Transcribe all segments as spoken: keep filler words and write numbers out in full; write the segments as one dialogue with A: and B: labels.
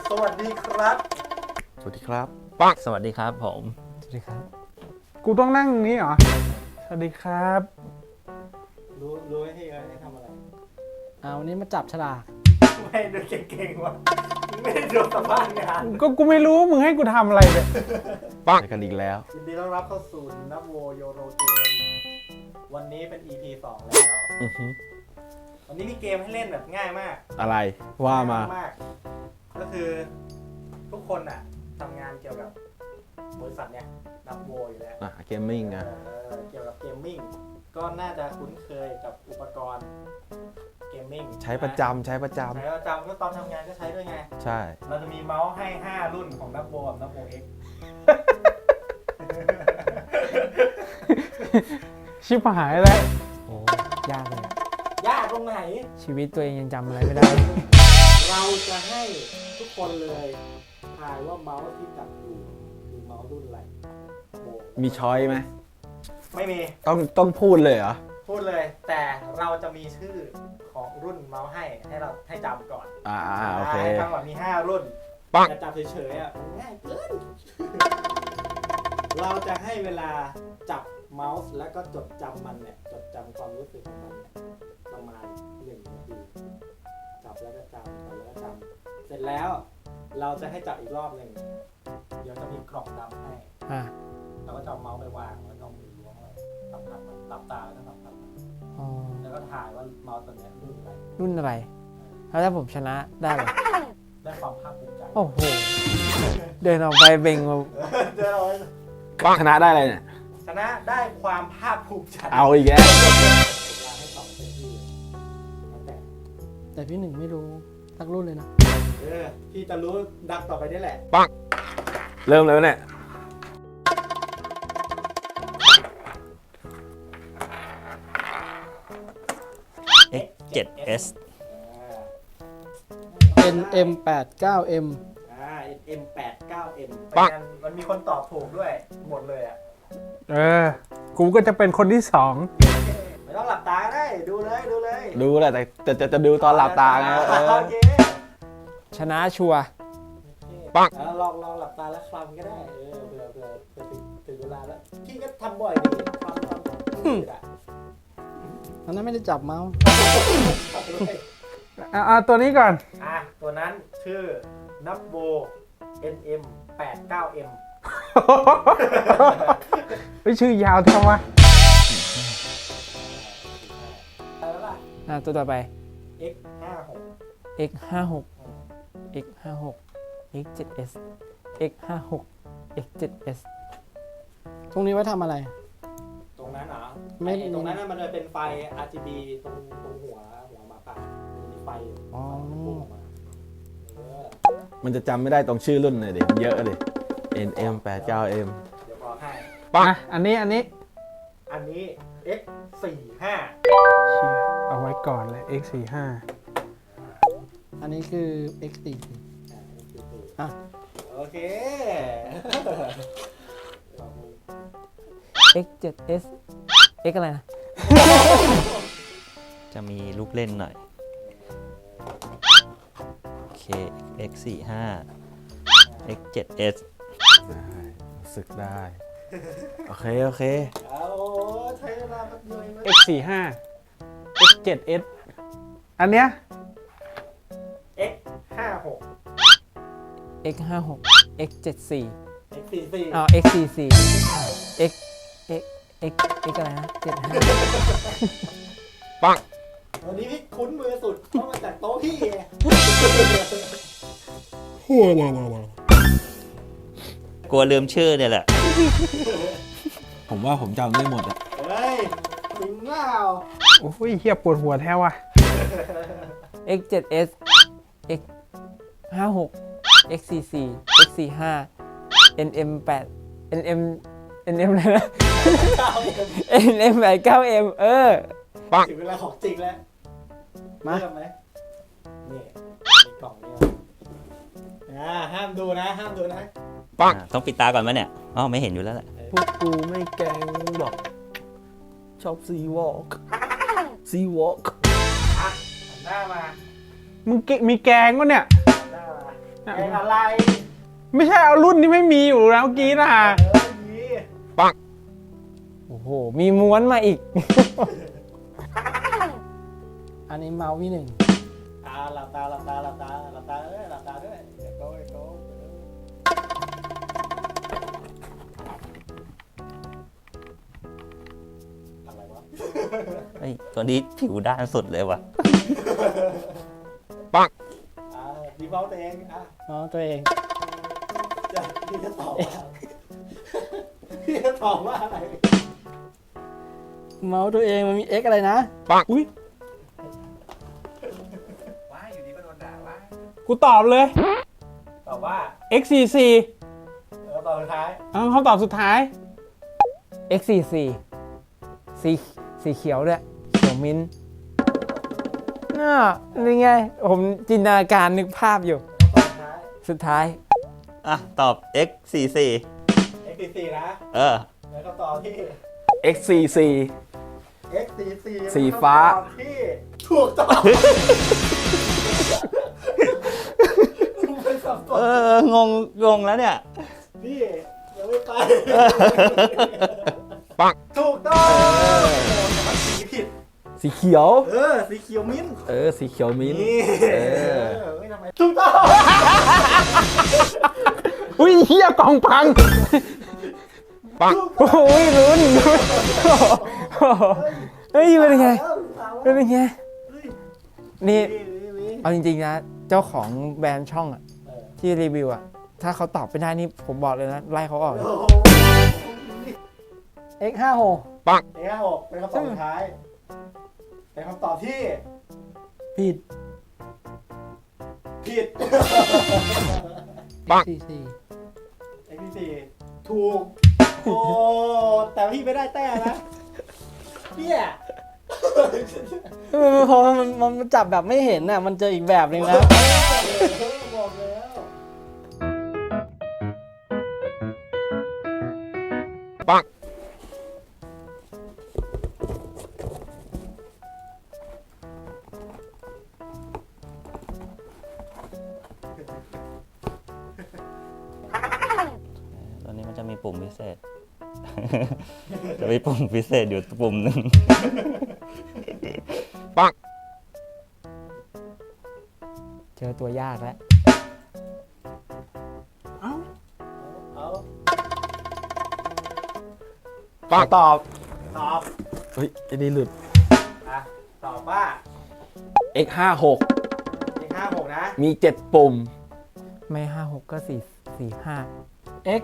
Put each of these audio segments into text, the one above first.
A: สวัสดีครับ
B: สวัสดีครับ
C: ปังสวัสดีครับผม
D: สวัสดีครับกูต้องนั่งนี้เหรอสวัสดีครับ
A: รู้รู้ให้เยอะให้ทำอะไร
D: เอาวันนี้มาจับฉลาก
A: ไม่ดูเก่งๆวะไม่ได้ดูสัมภาษณ์งาน
D: ก็กูไม่รู้มึงให้กูทำอะไรเนี่ย
B: ปังกันอีกแล้ว
A: ยินดีต้อนรับเข้าสู่นับโวโยโรเกมวันนี้เป็น อี พี สองแล้ว
B: อือฮึ
A: วันนี้มีเกมให้เล่นแบบง่ายมาก
B: อะไรว่ามา
A: มากก็คือทุกคนอ่ะทำงานเกี่ยวกับบริษัทเนี่ยนับโวอยู่แล้ว
B: อ่ะเกมมิ่งอ่ะ
A: เกี่ยวกับเกมมิ่งก็น่าจะคุ้นเคยกับอุปกรณ์เกมมิ่ง
B: ใช้ประจำใช้ประจำ
A: ใช้ประจำก็ตอนทำงานก็ใช้ด้วยไง
B: ใช่
A: เราจะมีเมาส์ให้ห้ารุ่นของนับโวกับนับโว X
D: ชิบหายแล้วโอ้ยากเลย
A: ยากตรงไหน
D: ชีวิตตัวเองยังจำอะไรไม่ได้
A: เราจะให้ทุกคนเลยทายว่าเมาส์ที่จับอยู่คือเมาส์รุ่นอะไร
B: มีช้อยไหม
A: ไม่มี
B: ต้องต้องพูดเลยเหรอ
A: พูดเลยแต่เราจะมีชื่อของรุ่นเมาส์ให้ให้เราให้จำก่อน
B: อ่าโอเค
A: ทั้งหมดมีห้ารุ่น
B: ปัง
A: จะจับเฉยๆอ่ะง่ายเกินเราจะให้เวลาจับเมาส์แล้วก็จดจำมันเนี่ยจดจำความรู้สึกของมันเนี่ยประมาณหนึ่งนาทีจับแล้วก็จำจับแล้วก็จำเสร็จแล้วเราจะให้จับอีกรอบหนึ่งเดี๋ยวจะมีกล่องดำให้
D: อ่า
A: เราก็จะเอาเมาส์ไปวางแล้วก็มือล้วงไว้ตับตับตับตาแล้วก็ตับตับแล้วก็ถ่ายว่าเมาส์ตัวนี้รุ่นอะไร
D: รุ่นอะไรแล้วถ้าผมชนะได้เลย
A: ได้ความภาคภูมิใจ
D: โอ้โหเดินออกไปเบ่งมา
A: เดินออกไป
B: ปังชนะได้อะไรเนี่ย
A: ชนะได้ความภาคภูมิใจ
B: เอาอีกแล้ว
A: ให้ตอบเป็นที่แต่
D: แต่พี่หนึ่งไม่รู้สักรุ่นเลยนะ
A: เออพี่จะรู้ดักต่อไปนี่แหละ
B: ปังเริ่มเลยเนี่ย
C: เอ็กซ์ เจ็ด เอส
D: เอ็น เอ็ม แปด เก้า เอ็ม
A: อ่า เอ็ม แปด เก้า เอ็ม
B: ปัง
A: มันมีคนตอบถูกด้วยหมดเลยอ่ะ
D: เออกูก็จะเป็นคนที่สอง
A: ไม่ต้องหลับตาได้ดูเลยดูเลย
B: ดูแหละแต่จะจะดูตอนหลับตาไง
A: โอเค
D: ชนะชัวร์
B: ปัง
A: ลองลองหลับตาแล้วคลำก็ได้เออเผื่อเผื่อเผื่อถึงถึงเวลาแล้วพี่ก็ทำบ่อยดีคลำคลำอ่ะ
D: ตอนนั้นไม่ได้จับเมาส์อ่าตัวนี้ก่อน
A: อ่ะตัวนั้นชื่อนับโว เอ็น เอ็ม แปด เก้า เอ็ม
D: ไม่ชื่อยาวทำไมอ่าตัวต่อไป
A: X ห้าหก
D: X ห้าหก X ห้าหก X เจ็ด เอส X ห้าหก X เจ็ด เอส ตรงนี้ไว้ทำอะไร
A: ตรงนั้นเหรอไม่ตรงนั้นมันจะเป็นไฟ อาร์ จี บี ตรงตรงหัวหัวหมาป่ามีไฟ
D: อ๋อ
B: มันจะจำไม่ได้ตรงชื่อรุ่นเลยดิเยอะเลย เอ็น เอ็ม แปด เก้า เอ็ม
A: เดี๋ยวพอให้
B: ปัง
D: อันนี้อันนี้
A: อันนี้ X สี่ห้า
D: เอาไว้ก่อนเลย X สี่ห้าอันนี้คือ X สี่สี่อ่ะ
A: โอเค
D: X เจ็ด เอส X อะไรนะ
C: จะมีลูกเล่นหน่อยโอเค X สี่ห้า X เจ็ด เอส
B: ได้สึกได้โอเคโอเค
A: เอาใช้เวลาแป๊บเดียว
D: X สี่ห้า X เจ็ด เอส อันเนี้ย
A: X ห้าหก
D: X ห้าหก X เจ็ดสี่
A: X สี่สี่
D: อ๋อ X สี่สี่ X X X X อะไรนะเจ็ดห้า
B: ปัง
A: วันนี้พี่คุ้นมือสุดเพราะมาจากโต๊ะพี่
D: เฮียน่ะ
C: กลัวลืมชื่อเนี่ยแหละ
B: ผมว่าผมจำได้หมดอ่ะ
A: เฮ้ยจริงเปล่า
D: โอ้ยเฮียปวดหัวแท้ว่ะ X เจ็ด เอส X ห้าหก X สี่สี่ X สี่ห้า เอ็น เอ็ม แปด เอ็น เอ็ม เอ็น เอ็ม อะไรนะ เอ็น เอ็ม แปด เก้า เอ็ม เออ
B: ปัง
A: ถึงเวลาของจริงแล้วมาเริ่มไหมนี่มีกล่องนี้อ่าห้ามดูนะห้ามดูนะ
B: ปัง
C: ต้องปิดตาก่อนไหมเนี่ยอ๋อไม่เห็นอยู่แล้วแหละ
B: พวกกูไม่แกงหรอกชอบซีวอล์กซีวอล์ก
A: อ่ะหน้ามา
D: มึงมีแกงวะเนี่ย
A: หน้ามาเอกอะไร
B: ไม่ใช่เอารุ่นที่ไม่มีอยู่แล้วเมื่อกี้นะ
A: เออมี
D: โอ้โห มีม้วนมาอีก
E: อันนี้เมาส์พี่หนึ่ง
A: อ่าหลับตาหลับตาหลับตาหลับตาเอ้ยหลับตาด้วยเดี๋ยวโก้โก้อะไรวะ
C: เฮ้ย ตัวนี้ผิวด้านสุดเลยวะ
A: อ่าดีเมาส์ตัวเองอ่ะ
E: เมาส์ตัวเอง
A: จะพี่จะตอบว่าพี่จะตอบว่าอะไร
E: เมาส์ตัวเองมันมี X อะไรนะ
B: อุ้ย
A: ว่าอยู่ดีก็โดนด่าว่า
B: กูตอบเลย
A: ตอบว่า
B: เอ็กซ์ สี่สิบสี่
A: เออตอบสุดท้าย
B: เอาคำตอบสุดท้าย
D: เอ็กซ์ สี่สิบสี่ สีสีเขียวด้วยเขียวมิ้นท์น่านี่ไง ผมจินตนาการนึกภาพอยู่
A: ตอบสุดท้าย
D: สุดท้าย
C: อ่ะ ตอบ เอ็กซ์ สี่สิบสี่
A: เอ็กซ์ สี่นะ
C: เออ
A: แล้วก็ตอบที่
B: เอ็กซ์ สี่สิบสี่
A: เอ็กซ์ สี่
B: สีฟ้า
A: ที่ถูกต้องไม่สับส
C: เอน อ งง งงแล้วเนี่ย
A: พี่ยังไม่ไปถูกต้องโอ้ยสีผิด
B: สีเขียว
A: เออ สีเขียวมิ้นท์
B: เออ สีเขียวมิ้นท์
A: นี่
B: เอ
A: เอ
B: อ
A: อไม่ทำไมถูกต้อง
B: อุ้ยเฮียกล่องพัง ปังโอ้ยลุ้นลุ้นเฮ้ยเป็นไงเป็นไง
D: นี่
A: วิวิวิ
D: เอาจริงๆนะ เจ้าของแบรนด์ช่องอะ
A: เออ
D: ที่รีวิวอะถ้าเขาตอบไม่ได้นี่ผมบอกเลยนะ ไล่เขาออกเลย
A: โอ้โห
E: X ห้าหก
A: เอ็กซ์ห้าหกเป็นคำตอบสุดท้าย เป็นคำตอบที่
E: ผิด
A: ผิด
E: สี่สี่
A: เอ็กซ์สี่ถูก โอ้ แต่พี่ไม่ได้แต้มนะเนี่ย
E: เพราะมันมันจับแบบไม่เห็นน่ะ มันเจออีกแบบหนึ่งนะ
A: บอกแล้ว
C: ตัวนี้มันจะมีปุ่มพิเศษ จะมีปุ่มพิเศษอยู่ปุ่มหนึ่ง
D: เจอตัวยากแล้ว
B: เอ้า
A: เอา
B: ขอตอบ
A: ตอบ
B: เฮ้ยไอ้นี่หลุด
A: อ่ะ ตอบว่า
B: เอ็กซ์ ห้าหก
A: เอ็กซ์ห้าหกนะ
B: มีเจ็ดปุ่ม
D: ไม่ห้าหกก็สี่สี่ห้า
E: X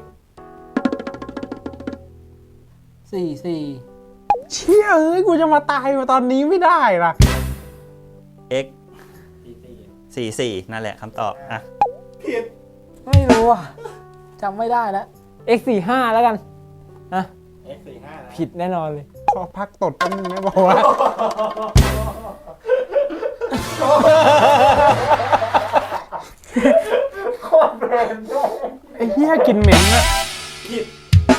E: สี่สี่
B: เชี่ยเอ้ย กูจะมาตายมาตอนนี้ไม่ได้ล่ะ
C: X
A: สี่สี่
C: สี่สิบสี่ นั่นแหละคำตอบ อ่ะ
A: ผิด
E: ไม่รู้อ่ะจำไม่ได้แล้ว
D: เอ็กซ์ สี่ห้าแล้วกันนะ
A: เอ็กซ์สี่ห้านะ
D: ผิดแน่นอนเลย
B: ขอพักตดแป๊บนึงได้บอกว่า
A: โคตรแบรนด์ด้วย
B: ไอ้เหี้ยกินเหม็นอะ
A: ผิด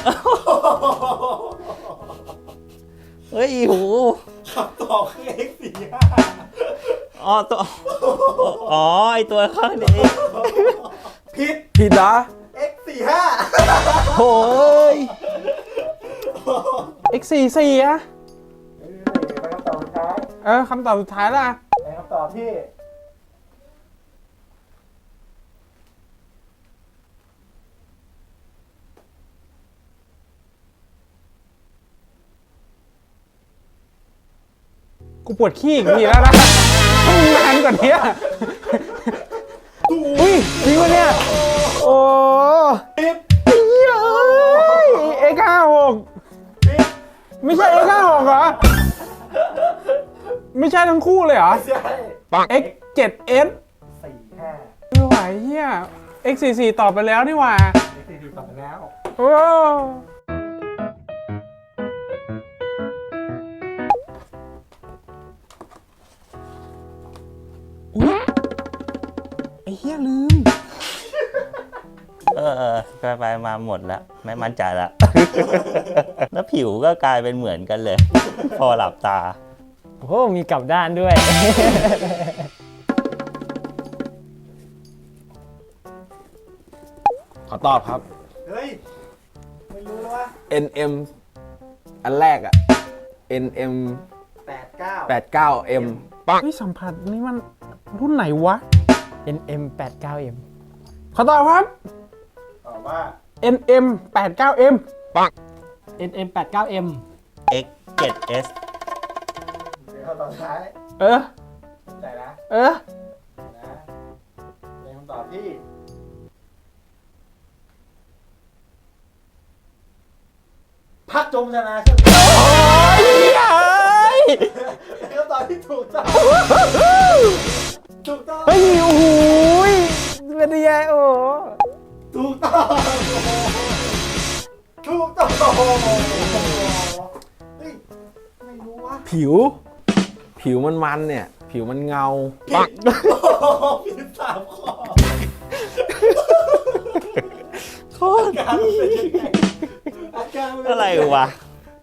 C: เฮ้ยโห
A: คำตอบคือ เอ็กซ์สี่ห้า
C: อ๋อตัว อ๋อ ไอตัวข้างนี้
A: ผิด
B: ผิดเหรอ
A: เอ็กซ์สี่ห้า
B: โอ้ย เอ็กซ์ สี่สิบสี่อะ
A: เป็นคำตอบสุดท้าย
B: เออคำตอบสุดท้ายล่ะ
A: เป็นคำตอบที่
B: กูปวดขี้อีกทีแล้วนะต้องนานกว่านี้อุ้ยจริงวะเนี่ย โอ้
A: ผิด
B: ไอ้เหี้ยเอ้ย เอ็กซ์ ห้าหก
A: ผิด
B: ไม่ใช่ เอ็กซ์ ห้าหกเหรอ ไม่ใช่ทั้งคู่เลยเหรอ
A: ใช่
B: เอ็กซ์ เจ็ดเอส
A: สี่ห้า
B: ไม่ไหวเหี้ย เอ็กซ์ สี่สิบสี่ ตอบไปแล้วนี่หว่า
A: เอ็กซ์สี่สี่ตอบไปแล้ว
B: โอ้อุ๊ยไอ้เหี้ยลืม
C: เออเออไปไปมาหมดแล้ว ไม่มั่นใจละ แล้วผิวก็กลายเป็นเหมือนกันเลย พอหลับตา
D: โอ้โหมีกลับด้านด้วย
B: อตอบครับ
A: เฮ้ย ไม่รู้แล้ววะ
B: เอ็น เอ็ม อันแรกอะ เอ็น เอ็ม
A: แปดเก้า
B: แปดเก้า เอ็ม
D: ปังเฮ้ยสัมผัสนี่มันรุ่นไหนวะ เอ็น เอ็ม แปดเก้า เอ็ม
B: ขอตอบครับ
A: ตอบว่า
B: เอ็น เอ็ม แปดเก้า เอ็ม
E: เอ็น เอ็ม แปดเก้า เอ็ม
C: เอ็กซ์ เจ็ด เอส
A: เดี๋ยวตอนท้าย
B: เออ
A: ใจนะ
B: เออ
A: นะเป็นคำตอบที่พักจมชนะใช่ไหมเป็นคำตอบที่ถูกต้องถูกต้อง
D: เฮ้ย โอ้โหเป็นยังไงโอ้โห
A: ถูกต้องถูกต้องเฮ้ยไม่รู้วะ
B: ผิว ผิวมันมันเนี่ย ผิวมันเงา
A: ผิดผิดสามข้อ
B: โคตร
A: อาการเป็นยังไงอาการมันเป็น
C: อะไรวะ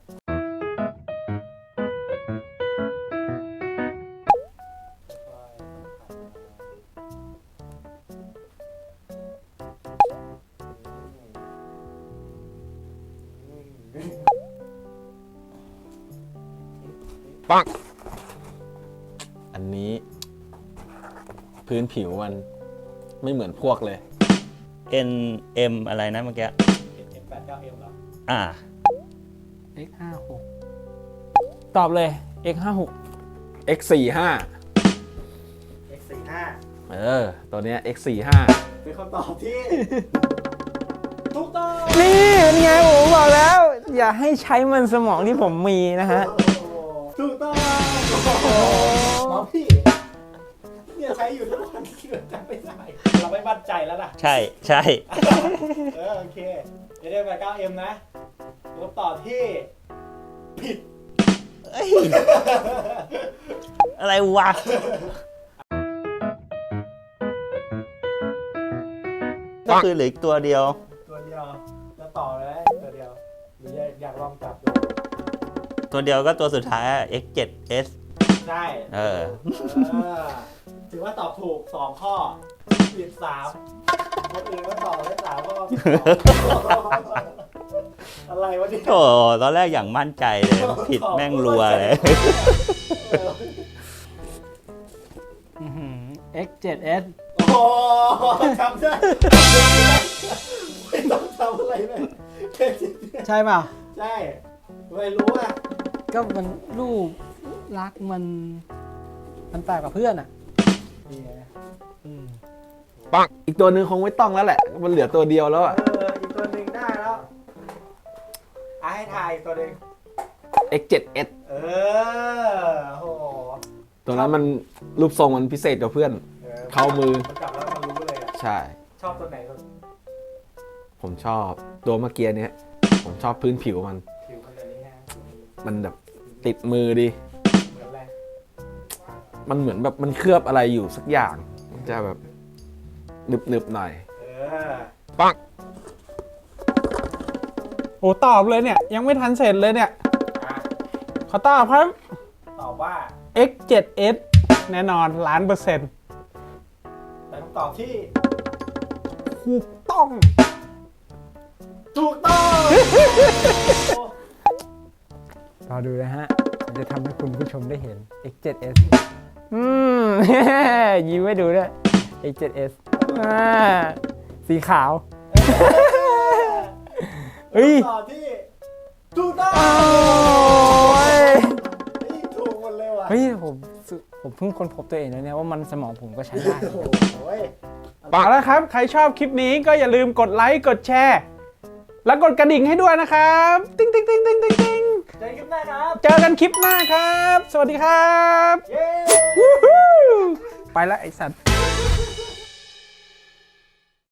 B: อันนี้ พื้นผิวมันไม่เหมือนพวกเลย
C: เอ็น เอ็ม อะไรนะเมื่อกี้
A: เอ็มแปดเก้าเอ็มเหรอ
C: อ่า
E: เอ็กซ์ห้าหก
D: ตอบเลย เอ็กซ์ ห้าหก
B: เอ็กซ์ สี่ห้า
A: เอ็กซ์สี่ห้า
B: เออ ตัวเนี้ย เอ็กซ์ สี่ห้า
A: เป็นคำตอบที่ ถูกต้อง
D: นี่เป็นไงผมบอกแล้ว อย่าให้ใช้มันสมองที่ผมมีนะฮะ
A: ถูกต้องหมอพี่เนี่ยใช้อยู่ทุกวันเกือบจำไม่ได้เราไม่มั่นใจแล้วนะ
C: ใช่ใช่
A: เออโอเคเอ็มแปดเก้าเอ็มนะคำตอบที่ผิด
C: เอ้ยอะไรวะ ก็คือเหลืออีกตัวเดียว
A: ตัวเดียวจะต่อเลยตัวเดียวหรืออยากลองจับดู
C: ตัวเดียวก็ตัวสุดท้ายอะ เอ็กซ์ เจ็ด เอส
A: ใช่
C: เออ
A: เออถือว่าตอบถูกสองข้อผิดสามคนอื่นก็ตอบได้สามข้อผิดสองอะไรวะเนี่ย
C: โอ้ตอนแรกอย่างมั่นใจเลย ผิดแม่งรัวเลย
E: เอ็กซ์ เจ็ด เอส
A: โอ้จำได้ไม่ต้องทำอะไรเลยแค่จิตเดียว
E: ใช่เปล่า
A: ใช่ไม่รู้อ่ะ
E: ก็มันรูปรักมัน มันแปลกกว่าเพื่อนอ่ะ
A: นี่ไง
E: อืม
B: ปังอีกตัวหนึ่งคงไม่ต้องแล้วแหละ มันเหลือตัวเดียวแล้วอะ
A: เอออีกตัวหนึ่งได้แล้วอ่ะให้ทายอีกตัวหนึ่ง
B: เอ็กซ์ เจ็ด เอส
A: เออโห
B: ตัวนั้นมันรูปทรงมันพิเศษกว่าเพื่อน เข้ามือ
A: มันจับแล้วมันรู้เลยอ่ะ
B: ใช่
A: ชอบตัวไหนสุด
B: ผมชอบตัวเมื่อกี้เนี้ย ผมชอบพื้นผิวมัน
A: ผิวมันแบบนี้ฮะ
B: มันแบบติดมือดี
A: เหมือนอะไร
B: มันเหมือนแบบมันเคลือบอะไรอยู่สักอย่าง มันจะแบบหนึบๆหน่อย
A: เออ
B: ปัง
D: โอ้ตอบเลยเนี่ย ยังไม่ทันเสร็จเลยเนี่ย
A: อ่ะ
D: ขอตอบครับ
A: ตอบว่า
D: เอ็กซ์ เจ็ด เอส แน่นอนล้านเปอร์เซ็นต์
A: เป็นคำตอบที่
D: ถูกต้อง
A: ถูกต้อง
D: รอดูนะฮะผมจะทำให้คุณผู้ชมได้เห็น เอ็กซ์ เจ็ด เอส อืม ยิ้มให้ดูด้วย เอ็กซ์ เจ็ด เอส อ่าสีขาว เฮ้ย
A: คำตอบที่ถูกต้อง
D: โอ้ย
A: เฮ้ยถูกหมดเลยว่ะ
D: เฮ้ยผมสึผมเพิ่งค้นพบตัวเองแล้วเนี่ยว่ามันสมองผมก็ใช้ได้
A: โอ้โห
D: เอาละครับ ใครชอบคลิปนี้ก็อย่าลืมกดไลค์ กดแชร์ แล้วกดกระดิ่งให้ด้วยนะครับ ติ๊งติ๊งติ๊งติ๊งติ๊งติ๊ง
A: เจอกันคลิปหน้าครับ
D: เจอกันคลิปหน้าครับ สวัสดีครับ
A: เย้
D: วู้ฮู้ไปละไอสัตว์